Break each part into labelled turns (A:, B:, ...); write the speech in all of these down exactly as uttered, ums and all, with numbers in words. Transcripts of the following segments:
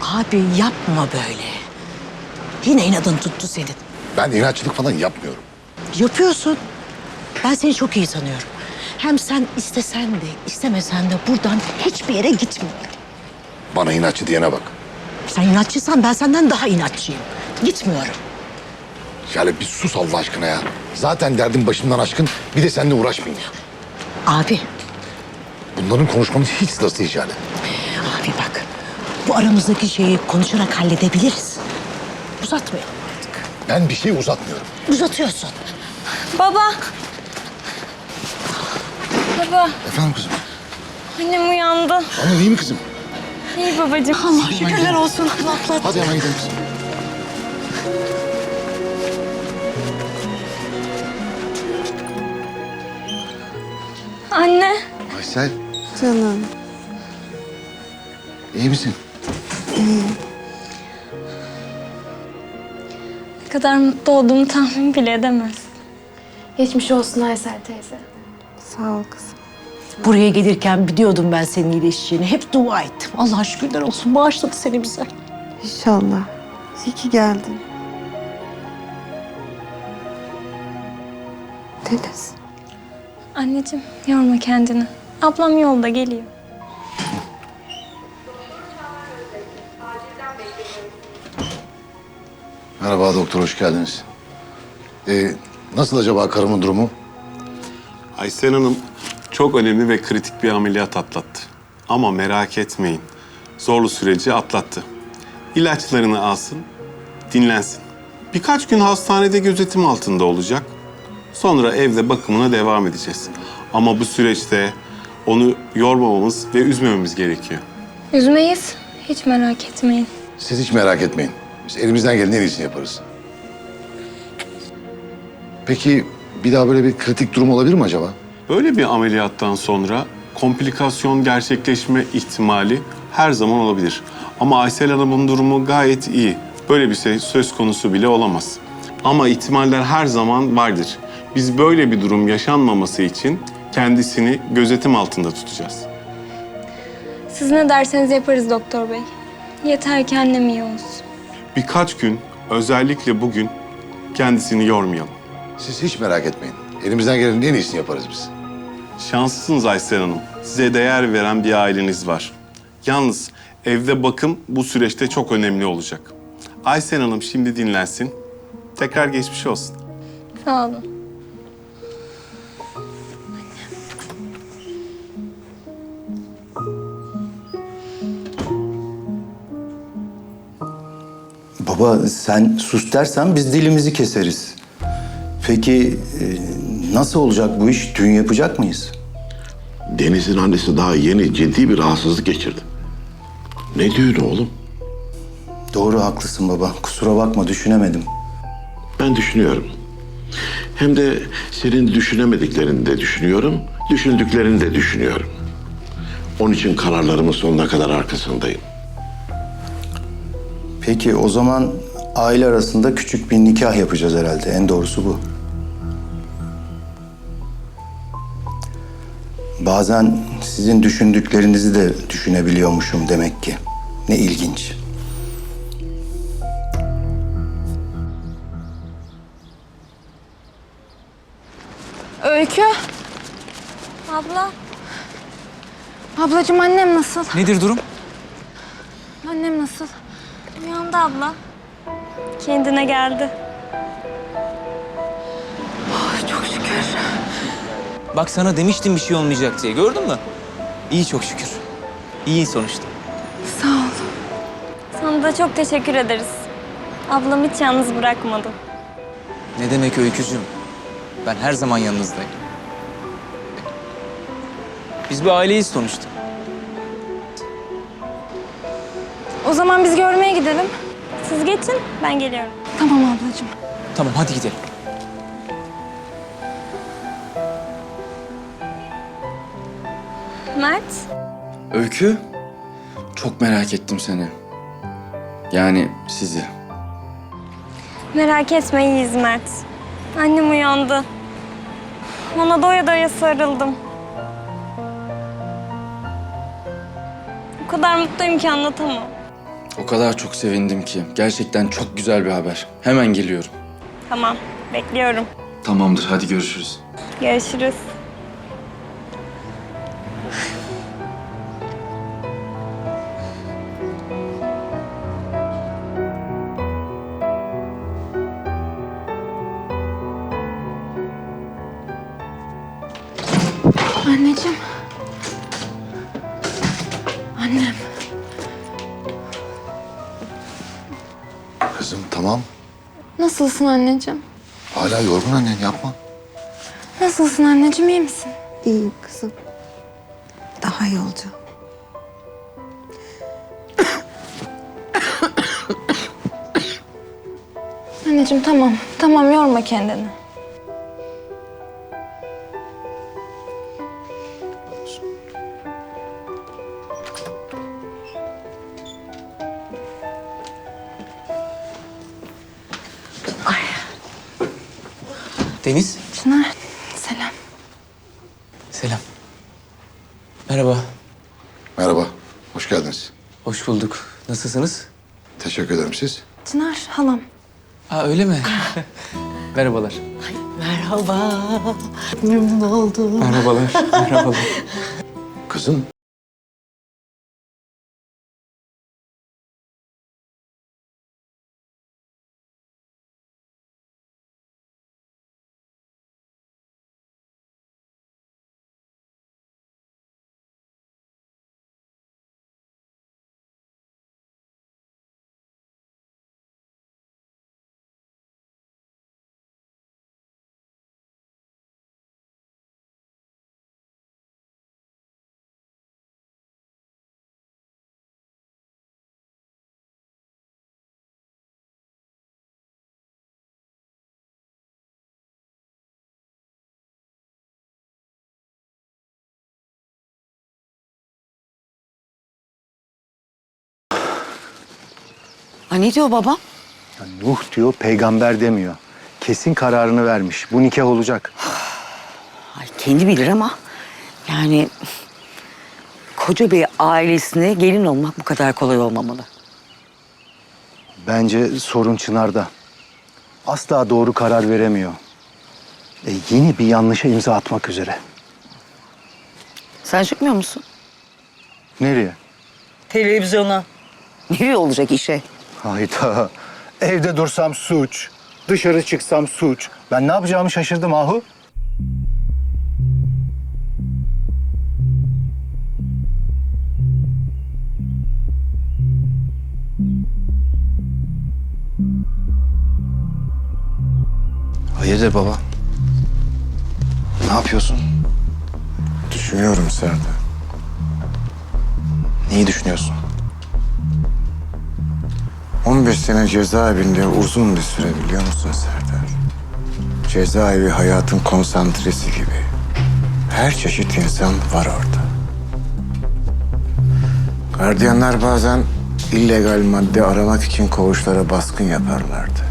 A: Abi yapma böyle. Yine inadın tuttu senin.
B: Ben inatçılık falan yapmıyorum.
A: Yapıyorsun. Ben seni çok iyi tanıyorum. Hem sen istesen de istemesen de buradan hiçbir yere gitmiyorsun.
B: Bana inatçı diyene bak.
A: Sen inatçıysan ben senden daha inatçıyım. Gitmiyorum.
B: Şale bir sus Allah aşkına ya. Zaten derdim başımdan aşkın. Bir de seninle uğraşmayayım.
A: Abi,
B: Bunların konuşmamız hiç sırası değil Şale.
A: abi bak. Bu aramızdaki şeyi konuşarak halledebiliriz. Uzatmayalım artık.
B: Ben bir şey uzatmıyorum.
A: Uzatıyorsun.
C: Baba. Baba,
B: Efendim kızım?
C: annem uyandı.
B: Anne iyi mi kızım?
C: İyi babacığım.
A: Allah şükürler olsun. Atlattın.
B: Hadi hemen gidelim kızım.
C: Anne.
B: Aysel
D: Canım.
B: iyi misin?
C: Ne kadar mutlu olduğumu tahmin bile edemez.
E: Geçmiş olsun Aysel teyze.
D: Sağ ol kızım.
A: Buraya gelirken biliyordum ben senin iyileşeceğini. Hep dua ettim. Allah'a şükürler olsun. Bağışladı seni bize.
D: İnşallah. İyi ki geldin. Deniz.
C: Anneciğim, yorma kendini. Ablam yolda geliyor.
B: Merhaba doktor, hoş geldiniz. Ee, nasıl acaba karımın durumu?
F: Aysel Hanım çok önemli ve kritik bir ameliyat atlattı. Ama merak etmeyin, zorlu süreci atlattı. İlaçlarını alsın, dinlensin. Birkaç gün hastanede gözetim altında olacak. Sonra evde bakımına devam edeceğiz. Ama bu süreçte onu yormamamız ve üzmememiz gerekiyor.
C: Üzmeyiz. Hiç merak etmeyin.
B: Siz hiç merak etmeyin. Biz elimizden gelen en iyisini yaparız. Peki bir daha böyle bir kritik durum olabilir mi acaba?
F: Böyle bir ameliyattan sonra komplikasyon gerçekleşme ihtimali her zaman olabilir. Ama Aysel Hanım'ın durumu gayet iyi. Böyle bir şey söz konusu bile olamaz. Ama ihtimaller her zaman vardır. Biz böyle bir durum yaşanmaması için kendisini gözetim altında tutacağız.
C: Siz ne derseniz yaparız doktor bey. Yeter ki annem iyi olsun.
F: Birkaç gün, özellikle bugün kendisini yormayalım.
B: Siz hiç merak etmeyin. Elimizden gelenin en iyisini yaparız biz.
F: Şanslısınız Aysel Hanım. Size değer veren bir aileniz var. Yalnız evde bakım bu süreçte çok önemli olacak. Aysel Hanım şimdi dinlensin. Tekrar geçmiş olsun.
C: Sağ olun.
G: Baba sen sus dersen biz dilimizi keseriz. Peki e, nasıl olacak bu iş? Düğün yapacak mıyız?
H: Deniz'in annesi daha yeni ciddi bir rahatsızlık geçirdi. Ne düğünü oğlum?
G: Doğru haklısın baba. Kusura bakma düşünemedim.
H: Ben düşünüyorum. Hem de senin düşünemediklerini de düşünüyorum, düşündüklerini de düşünüyorum. Onun için kararlarımın sonuna kadar arkasındayım.
G: Peki o zaman aile arasında küçük bir nikah yapacağız herhalde. En doğrusu bu. Bazen sizin düşündüklerinizi de düşünebiliyormuşum demek ki. Ne ilginç.
E: Öykü.
C: Abla.
E: Ablacığım annem nasıl?
I: Nedir durum?
E: Annem nasıl?
C: Uyandı abla. Kendine geldi.
E: Çok şükür.
I: Bak sana demiştim bir şey olmayacak diye. Gördün mü? İyi çok şükür. İyi sonuçta.
E: Sağ ol.
C: Sana da çok teşekkür ederiz. Ablam hiç yalnız bırakmadı.
I: Ne demek Öykücüğüm? Ben her zaman yanınızdayım. Biz bir aileyiz sonuçta.
E: O zaman biz görmeye gidelim.
C: Siz geçin, ben geliyorum.
E: Tamam ablacığım.
I: Tamam hadi gidelim.
C: Mert,
J: Öykü, çok merak ettim seni. Yani sizi.
C: merak etme iyiyiz Mert. Annem uyandı. Ona doya doya sarıldım. O kadar mutluyum ki anlatamam.
J: O kadar çok sevindim ki. Gerçekten çok güzel bir haber. Hemen geliyorum.
C: Tamam, bekliyorum.
J: Tamamdır, hadi görüşürüz.
C: Görüşürüz.
E: Anneciğim. Annem.
B: Kızım tamam.
E: Nasılsın anneciğim?
B: Hala yorgun annen, yapma.
E: Nasılsın anneciğim, iyi misin?
D: İyiyim kızım. Daha iyi olacağım.
E: Anneciğim tamam. Tamam, yorma kendini.
I: Deniz.
E: Çınar, selam.
I: Selam. Merhaba.
B: Merhaba, hoş geldiniz.
I: Hoş bulduk. Nasılsınız?
B: Teşekkür ederim, siz.
E: Çınar, halam.
I: Aa öyle mi? Merhabalar.
A: Merhaba. Memnun oldum.
I: Merhabalar. Merhabalar.
B: Kızım,
A: Ha, ne diyor babam?
G: Nuh diyor, peygamber demiyor. Kesin kararını vermiş. Bu nikah olacak.
A: Ay, kendi bilir ama yani koca bir ailesine gelin olmak bu kadar kolay olmamalı.
G: Bence sorun Çınar'da. Asla doğru karar veremiyor. E, yeni bir yanlışa imza atmak üzere.
A: Sen çıkmıyor musun?
G: Nereye?
A: Televizyona. Nereye olacak işe?
G: Hayda. Evde dursam suç. Dışarı çıksam suç. Ben ne yapacağımı şaşırdım Ahu.
J: Hayırdır baba?
G: Ne yapıyorsun?
J: Düşünüyorum Serdar.
G: Neyi düşünüyorsun?
J: on beş sene cezaevinde uzun bir süre, biliyor musun Serdar? Cezaevi hayatın konsantresi gibi. Her çeşit insan var orada. Gardiyanlar bazen illegal madde aramak için koğuşlara baskın yaparlardı.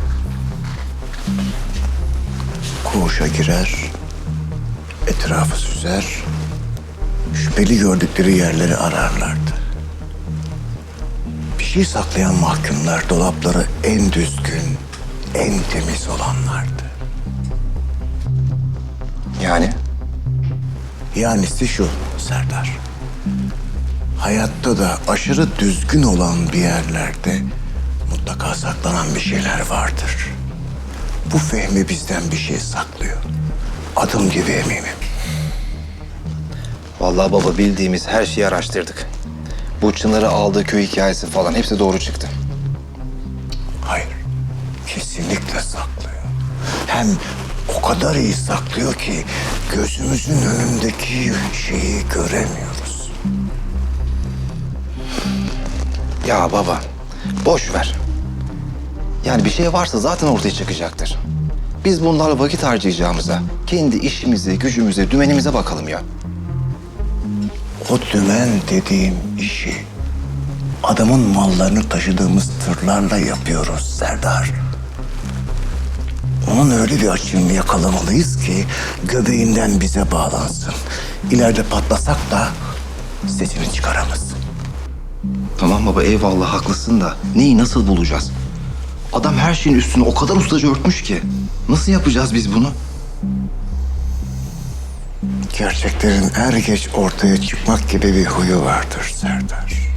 J: Koğuşa girer, etrafı süzer, şüpheli gördükleri yerleri ararlardı. Bir şey saklayan mahkumlar dolapları en düzgün, en temiz olanlardı.
G: Yani?
J: Yanisi şu Serdar. Hayatta da aşırı düzgün olan bir yerlerde mutlaka saklanan bir şeyler vardır. Bu Fehmi bizden bir şey saklıyor. Adım gibi eminim.
K: Vallahi baba, bildiğimiz her şeyi araştırdık. Bu Çınar'ı aldığı köy hikayesi falan hepsi doğru çıktı.
J: Hayır, kesinlikle saklıyor. Hem o kadar iyi saklıyor ki gözümüzün önündeki şeyi göremiyoruz.
K: Ya baba, boş ver. Yani bir şey varsa zaten ortaya çıkacaktır. Biz bunlarla vakit harcayacağımıza kendi işimize, gücümüze, dümenimize bakalım ya.
J: O dümen dediğim işi adamın mallarını taşıdığımız tırlarla yapıyoruz Serdar. Onun öyle bir açığını yakalamalıyız ki göbeğinden bize bağlansın. İleride patlasak da sesini çıkaramaz.
K: Tamam baba eyvallah haklısın da neyi nasıl bulacağız? Adam her şeyin üstünü o kadar ustaca örtmüş ki. Nasıl yapacağız biz bunu?
J: Gerçeklerin er geç ortaya çıkmak gibi bir huyu vardır Serdar.